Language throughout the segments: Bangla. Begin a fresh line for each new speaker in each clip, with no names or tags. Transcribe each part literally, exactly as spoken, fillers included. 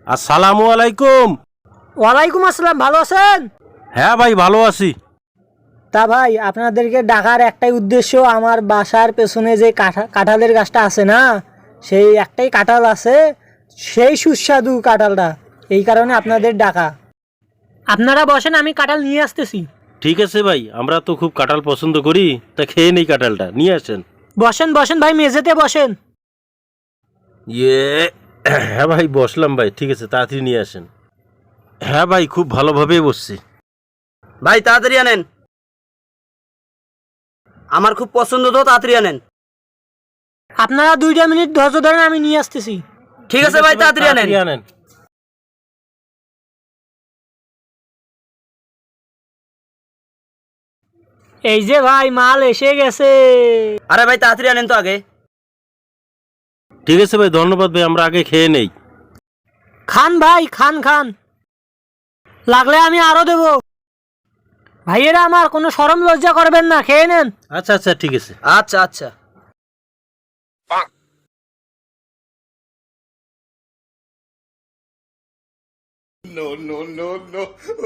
আসসালামু আলাইকুম।
ওয়ালাইকুম আসসালাম। ভালো আছেন?
হ্যাঁ ভাই, ভালো আছি।
তা ভাই, আপনাদেরকে ডাকার একটাই উদ্দেশ্য, আমার বাসার পেছনে যে কাঁঠা কাঁঠালের গাছটা আছে না, সেই একটাই কাঁঠাল আছে, সেই সুস্বাদু কাঁঠালটা, এই কারণে আপনাদের ডাকা। আপনারা বসেন, আমি কাঁঠাল নিয়ে আসতেছি।
ঠিক আছে ভাই, আমরা তো খুব কাঁঠাল পছন্দ করি, তা খেয়ে নেই কাঁঠালটা, নিয়ে আসেন।
বসেন বসেন ভাই, মেঝেতে বসেন।
ইয়ে হ্যাঁ ভাই, বসলাম ভাই। ঠিক আছে, তাড়াতাড়ি নিয়ে আসেন। হ্যাঁ ভাই, খুব ভালোভাবেই বসছি।
ভাই তাড়াতাড়ি আনেন, আমার খুব পছন্দ, তো তাড়াতাড়ি আনেন।
আপনারা দুইটা মিনিট ধৈর্য ধরেন, আমি নিয়ে আসতেছি।
ঠিক আছে ভাই, তাড়াতাড়ি আনেন।
আনেন।
এই যে ভাই, মাল এসে গেছে।
আরে ভাই তাড়াতাড়ি আনেন তো আগে।
ঠিক আছে ভাই, ধন্যবাদ ভাই, আমরা আগে খেয়ে নেই।
খান ভাই, খান খান, লাগলে আমি আরো দেব। ভাইয়েরা আমার, কোনো শরম লজ্জা করবেন না, খেয়ে নেন।
আচ্ছা আচ্ছা, ঠিক আছে।
আচ্ছা আচ্ছা।
No, no, no, no.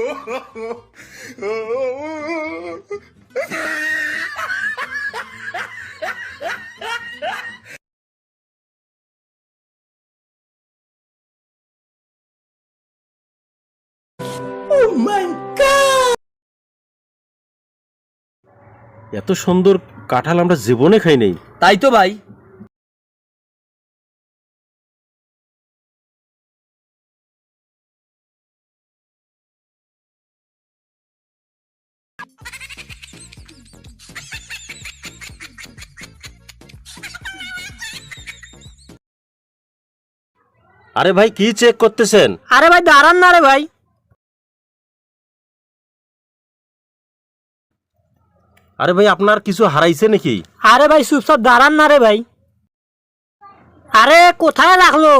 Oh my God!
এত সুন্দর কাঁঠাল আমরা জীবনে খাই নাই।
তাই তো ভাই।
আরে ভাই, কি চেক করতেছেন?
আরে ভাই দাঁড়ান না রে ভাই।
আরে ভাই, আপনার কিছু হারাইছে নাকি?
আরে ভাই চুপচাপ দাঁড়ান না রে ভাই। আরে কোথায় রাখলো?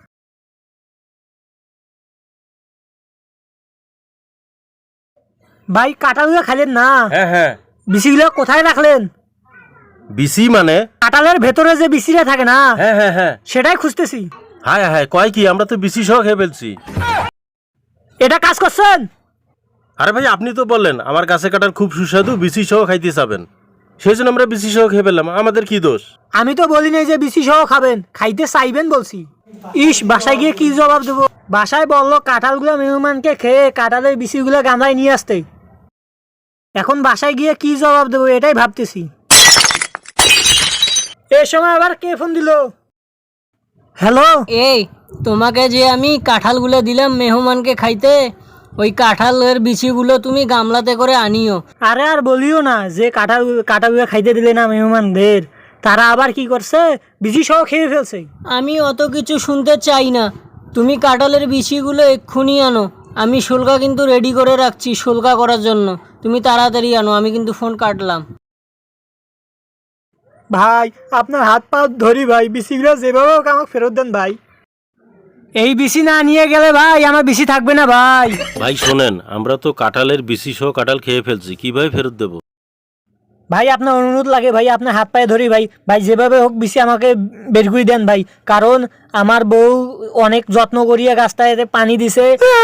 ভাই কাঁঠালগুলো খাইলেন না?
হ্যাঁ হ্যাঁ।
বিচিগুলো কোথায় রাখলেন?
বিসি মানে?
কাঁঠালের ভেতরে যে বিচিটা থাকে না,
হ্যাঁ হ্যাঁ হ্যাঁ।
সেটাই খুঁজতেছি।
হ্যাঁ হ্যাঁ, কয় কি, আমরা তো বিসি সহ খেয়ে ফেলছি।
এটা কাজ করছেন?
আরে ভাই, আপনি তো বললেন আমার গাছে কাটার খুব সুস্বাদু, বিসি সহ খাইতে চাবেন, সেই জন্য আমরা বিসি সহ খেয়ে ফেললাম। আমাদের কি দোষ?
আমি তো বলি নাই যে বিচি সহ খাবেন, খাইতে চাইবেন বলছি। ইস, বাসায় গিয়ে কি জবাব দেবো? বাসায় বললো কাঁঠালগুলো মেহমানকে খেয়ে কাঁঠালের বিচিগুলো গামলায় নিয়ে আসতে। এখন বাসায় গিয়ে কি জবাব দেবো এটাই ভাবতেছি। এই সময় আবার কে ফোন দিল? হ্যালো।
এই তোমাকে যে আমি কাঁঠালগুলো দিলাম মেহমানকে খাইতে, ওই কাঁঠালের বিচিগুলো তুমি গামলাতে করে আনিও।
আরে আর বলিও না, যে কাঁঠাল কাঁঠালগুলো খাইতে দিলে না মেহমানদের, তারা আবার কি করছে, বিচি সহ খেয়ে ফেলছে।
আমি অত কিছু শুনতে চাই না, তুমি কাঁঠালের বিচিগুলো এক্ষুনি আনো। আমি শুল্কা কিন্তু রেডি করে রাখছি শুল্কা করার জন্য, তুমি তাড়াতাড়ি আনো। আমি কিন্তু ফোন কাটলাম।
ভাই আপনার হাত পা ধরি ভাই, বিচিগুলো যেভাবে হোক আমাকে ফেরত দেন ভাই। এই বিচি না নিয়ে গেলে ভাই আমার বিচি থাকবে না ভাই।
ভাই শোনেন, আমরা তো কাঁঠালের বিসি সহ কাঁঠাল খেয়ে ফেলছি, কিভাবে ফেরত দেবো?
ভাই আপনার অনুরোধ লাগে ভাই, আপনার হাত পায়ে ধরি ভাই। ভাই যেভাবে হোক বিচি আমাকে বের করে দেন ভাই, কারণ আমার বউ অনেক যত্ন করিয়া গাছটাতে পানি দিছে।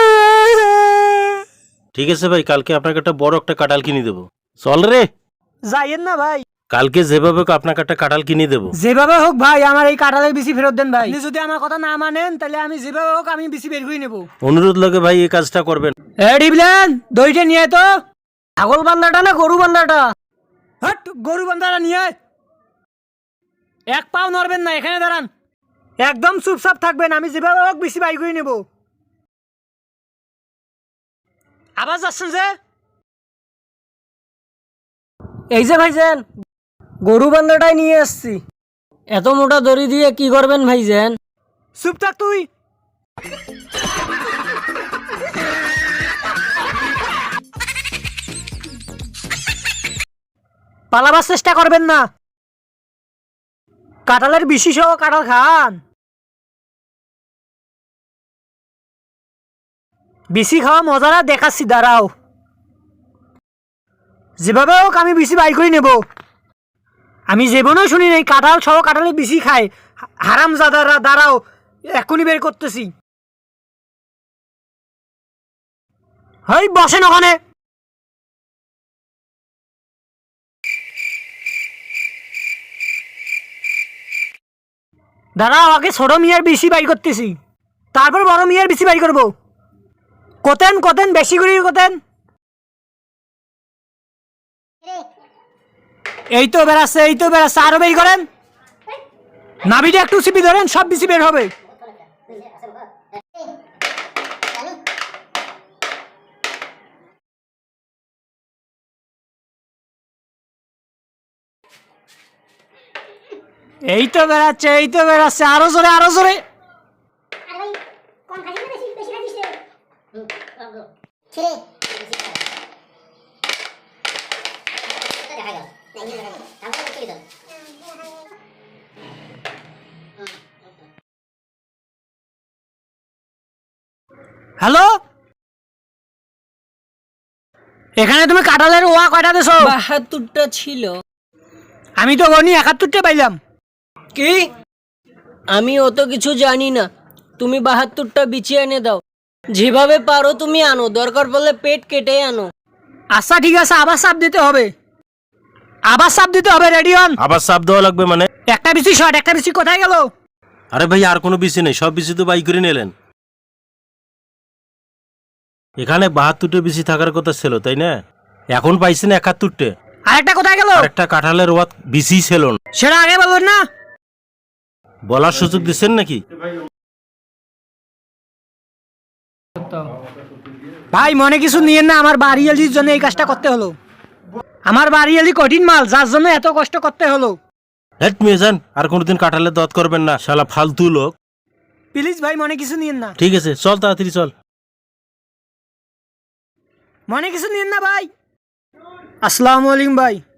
ঠিক আছে ভাই, কালকে আপনাকে একটা বড় একটা কাঁঠাল কিনে দেবো। চল রে।
যাইয়েন না ভাই।
কালকে যেভাবে হোক আপনাকে একটা কাঁঠাল কিনে দেবো।
যেভাবে হোক ভাই আমার এই কাঁঠালের বিচি ফেরত দেন ভাই। আপনি যদি আমার কথা না মানেন তাহলে আমি যেভাবে হোক আমি বিচি বের করে নেবো।
অনুরোধ লাগে ভাই, এই কাজটা করবেন।
এ ডিবলেন, দইটা নিয়ে আয় তো। ছাগল বান্দাটা না গরু বান্দাটা? হট, গরু বান্দাটা নিয়ে আয়। এক পাও নড়বেন না, এখানে দাঁড়ান, একদম চুপচাপ থাকবেন। আমি যেভাবে হোক বিচি বাই করে নেব। আবার যাচ্ছেন যে?
এই যে ভাইজান, গরু বান্ধাটাই নিয়ে আসছি। এত মোটা দড়ি দিয়ে কি করবেন ভাইজান?
চুপ থাক তুই। পালাবার চেষ্টা করবেন না, কাঁঠালের বিচি সহ কাঁঠাল খান। বিচি খাওয়া মজাটা দেখাচ্ছি, দাঁড়াও। যেভাবে হোক আমি বিচি বাই করে নেব। আমি জীবনেও শুনি নাই কাঁঠাল সহ কাঁঠালের বিচি খায়। হারাম জাদাররা, দাঁড়াও, এখনই বের করতেছি। হেই বসেন ওখানে। দাঁড়াও, আগে ছোট মিয়ার বেশি বাই করতেছি, তারপর বড় মিয়ার বেশি বাই করবো। কোতেন কোতেন বেশি করে কোতেন। এই তো বেড়াচ্ছে, এই তো বেড়াচ্ছে, আরো বের করেন। নাভিটা একটু চিপি ধরেন, সব বেশি বের হবে। এই তো বেড়াচ্ছে, এই তো বেড়াচ্ছে, আরো জোরে, আরো জোরে। হ্যালো, এখানে তুমি কাঁঠালের ওয়া কয়টা দেছো?
বাহাত্তরটা ছিল।
আমি তো গনি একাত্তরটা পাইলাম।
কি? আমি অত কিছু জানি না, তুমি বাহাত্তরটা বিছিয়ে এনে দাও। যেভাবে পারো তুমি আনো, দরকার পড়লে পেট কেটে আনো।
আচ্ছা ঠিক আছে, আবার চাপ দিতে হবে, আবার চাপ দিতে হবে। Ready on.
আবার চাপ দেওয়া লাগবে মানে?
একটা বিসি শট, একটা বিসি কোথায় গেল?
আরে ভাই আর কোনো বিসি নেই, সব বিসি তো বাই করে নিলেন। এখানে বাহাত্তরটে বিসি থাকার কথা ছিল তাই না? এখন পাইছেন একাত্তরটে।
আরেকটা কোথায় গেল?
একটা কাঁঠালের ওয়াত বিসি ছিল না।
সেটা আগে বলবেন না।
বলার সুযোগ দিচ্ছেন নাকি?
ভাই মনে কিছু নিয়েন না, আমার বাড়িয়ালির জন্য এই কাজটা করতে হলো। আমার বাড়িয়ালি কঠিন মাল, যার জন্য এত কষ্ট করতে হলো।
হেট মেয়ে যান, আর কোনোদিন কাঁঠালের দত করবেন না, শালা ফালতু লোক।
প্লিজ ভাই মনে কিছু নিয়েন না,
ঠিক আছে চল তাড়াতাড়ি চল।
মনে কিছু নিয়েন না ভাই। আসসালামু আলাইকুম ভাই।